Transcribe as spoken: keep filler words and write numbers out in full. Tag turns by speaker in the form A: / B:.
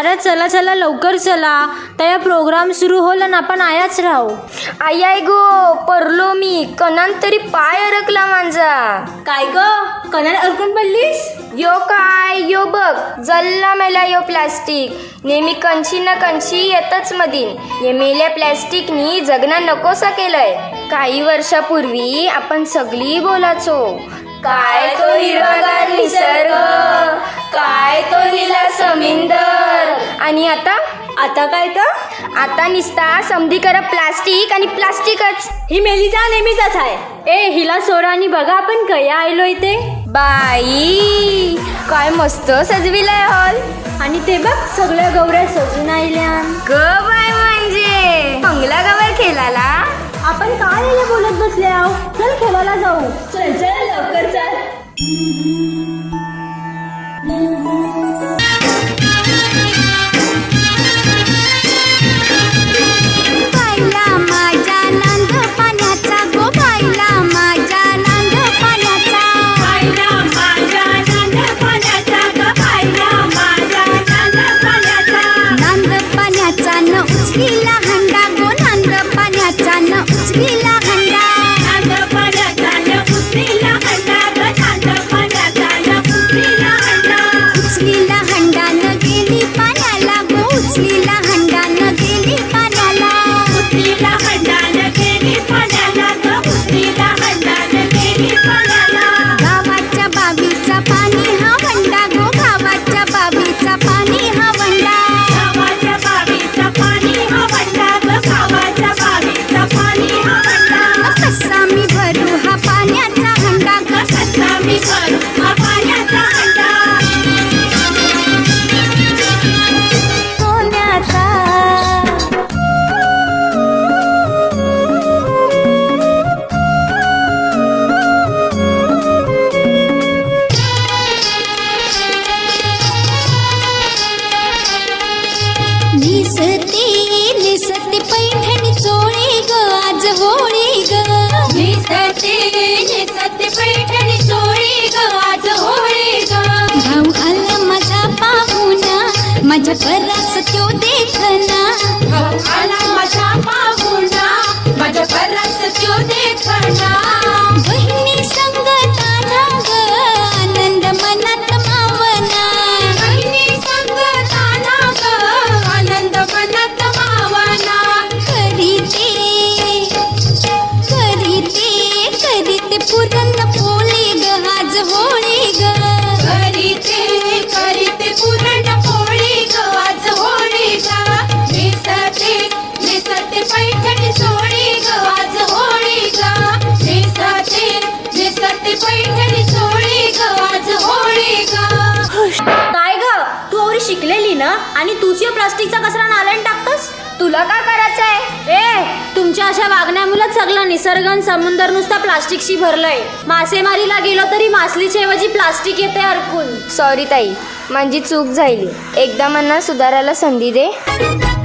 A: अरे चला चला लवकर चला, त्या प्रोग्राम सुरू होल ना आपण आयाच राहू.
B: आई आई गो परलो मी, कणान तरी पाय अडकला माझा.
A: काय ग कणाला अडकून पडलीस?
B: यो काय यो बघ जल्ला मेला यो प्लास्टिक. नेहमी कंची ना कंची येतच मधीन. हे मेल्या प्लॅस्टिकनी जगना नकोसा केलंय. काही वर्षापूर्वी आपण सगळी बोलाचो, काय तो हिरवागार निसर्ग, काय तो नीला समुंदर. आणि आता
A: आता काय तर
B: आता निसता समधी करा प्लास्टिक आणि प्लास्टिकच.
A: ही मेलीचा नेहमीच आहे. ए हिला सोडा आणि बघा आपण कया आलो इथे.
B: बाई काय मस्त सजविलाय हॉल.
A: आणि ते बघ सगळ्या गौऱ्या सजून आल्या.
B: ग बाय म्हणजे बंगला गावात खेळाला.
A: आपण काय रे बोलत बसले आहो, चल खेळायला जाऊ. चल चल लवकर चल.
C: बायला माझ्या नांद पाण्याचा गो, बायला माझ्या नांद पाण्याचा, बायला माझ्या नांद पाण्याचा ग, बायला माझ्या नांद पाण्याचा. नांद पाण्याचा न उचलीला हंडा गो, नांद पाण्याचा न उचलीला हंडा, नांद पाण्याचा न उचलीला हंडा ग, नांद पाण्याचा न उचलीला हंडा. उचलीला हंडा न गेली पाण्याला गो, उचलीला हंडा न गेली पाण्याला, उचलीला हंडा न गेली पाण्याला ग, उचलीला हंडा न गेली पाण्याला. गावाच्या बाबीचा पाणी हा वंडा गो, गावाच्या बाबीचा पाणी हा वंडा, गावाच्या बाबीचा पाणी हा वंडा ग, गावाच्या बाबीचा पाणी हा वंडा. कसा मी भरू हा पाण्याचा हंडा ग, कसा मी भरू हा पाण्याचा हंडा. सोन्याचा निसते निसते पैठणी चोळी ग, आज होळी ग. निसते निसते पैठणी चोळी ग, आज होळी ग. भाऊ आला माझा पाहुणा, माझ्या घरास त्यो देखना. भाऊ आला माझा पाहुणा, माझ्या घरास त्यो देखना. बहिणी संगताना ग, आनंद मनात मावना. बहिणी संगताना ग, आनंद मनात मावना. करीते करीते करीते पुरण पोळी ग, आज होळी ग. करीते करीते पुरण पोळी ग, आज होळी ग. निसते निसते पैठणी चोळी ग, आज होळी ग. निसते निसते पैठणी चोळी ग, आज होळी ग.
A: काय ग तू एवढी शिकलेली ना आणि तूच या प्लास्टिकचा कचरा नाल्यात टाकतोस.
B: तुला का करायचंय?
A: ए तुमच्या अशा वागण्यामुळेच सगळं निसर्ग आणि समुंदर नुसता प्लास्टिकशी भरलंय. मासेमारीला गेलो तरी मासलीच्या ऐवजी प्लास्टिक येते अडकून.
B: सॉरी ताई, माझी चूक झाली. एकदा मला सुधारायला संधी दे.